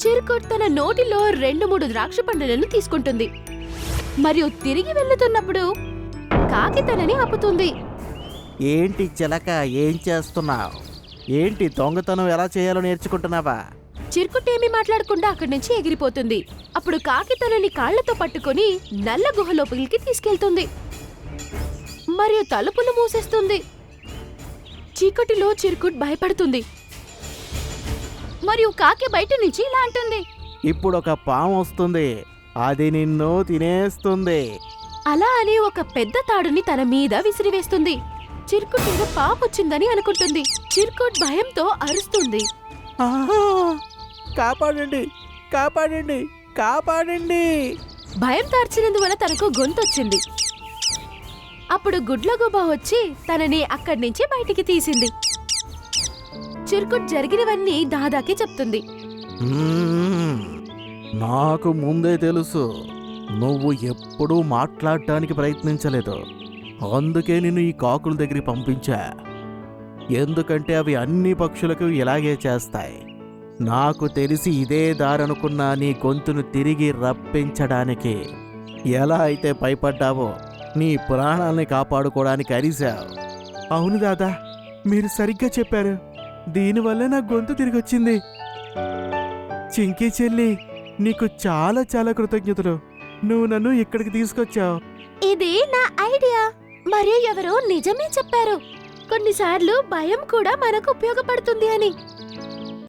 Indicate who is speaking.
Speaker 1: చిరుకుట్ తన నోటిలో 2-3 ద్రాక్ష పండులను తీసుకుంటుంది మరియు తిరిగి వెళ్తున్నప్పుడు కాకి తనని ఆపుతుంది.
Speaker 2: ఏంటి చిలక, ఏం చేస్తున్నావు? ఏంటి దొంగతనం ఎలా చేయాలో నేర్చుకుంటున్నావా?
Speaker 1: చిరుకుట్ ఏమీ మాట్లాడకుండా అక్కడి నుంచి ఎగిరిపోతుంది. అప్పుడు కాకి తనని కాళ్లతో పట్టుకుని నల్ల గుహ లోపలికి తీసుకెళ్తుంది మరియు తలుపులు మూసేస్తుంది. చీకటిలో చిరుకుట్ భయపడుతుంది మరియు కాకి బయట నుంచి ఇలా అంటుంది,
Speaker 2: ఇప్పుడు ఒక పాము వస్తుంది, అది నిన్ను తినేస్తుంది.
Speaker 1: అలా అని ఒక పెద్ద తాడుని తన మీద విసిరివేస్తుంది. చిరుకుట్ ఏదో పాపొచ్చిందని అనుకుంటుంది. చిరుకుట్ భయంతో అరుస్తుంది.
Speaker 2: ఆహా! కాపాడండి, కాపాడండి, కాపాడండి!
Speaker 1: భయం తార్చినందువల్ల తనకు గొంతొచ్చింది. అప్పుడు గుడ్లగూబ వచ్చి తనని అక్కడి నుంచి బయటికి తీసింది. చిరుకుట్ జరిగినవన్నీ దాదాకి చెప్తుంది.
Speaker 2: నాకు ముందే తెలుసు, నువ్వు ఎప్పుడూ మాట్లాడటానికి ప్రయత్నించలేదు. అందుకే నిన్ను ఈ కాకుల దగ్గరికి పంపించా. ఎందుకంటే అవి అన్ని పక్షులకు ఇలాగే చేస్తాయి. నాకు తెలిసి ఇదే దారనుకున్నా నీ గొంతును తిరిగి రప్పించడానికి. ఎలా అయితే భయపడ్డావో నీ ప్రాణాల్ని కాపాడుకోవడానికి అరిశావు. అవును దాదా, మీరు సరిగ్గా చెప్పారు. దీనివల్ల నా గొంతు తిరిగి వచ్చింది. చింకీ చెల్లి, నీకు చాలా చాలా కృతజ్ఞతలు. నువ్వు నన్ను ఇక్కడికి తీసుకొచ్చావు.
Speaker 1: ఇది నా ఐడియా మరియు ఎవరో నిజమే చెప్పారు. కొన్నిసార్లు భయం కూడా మనకు ఉపయోగపడుతుంది అని.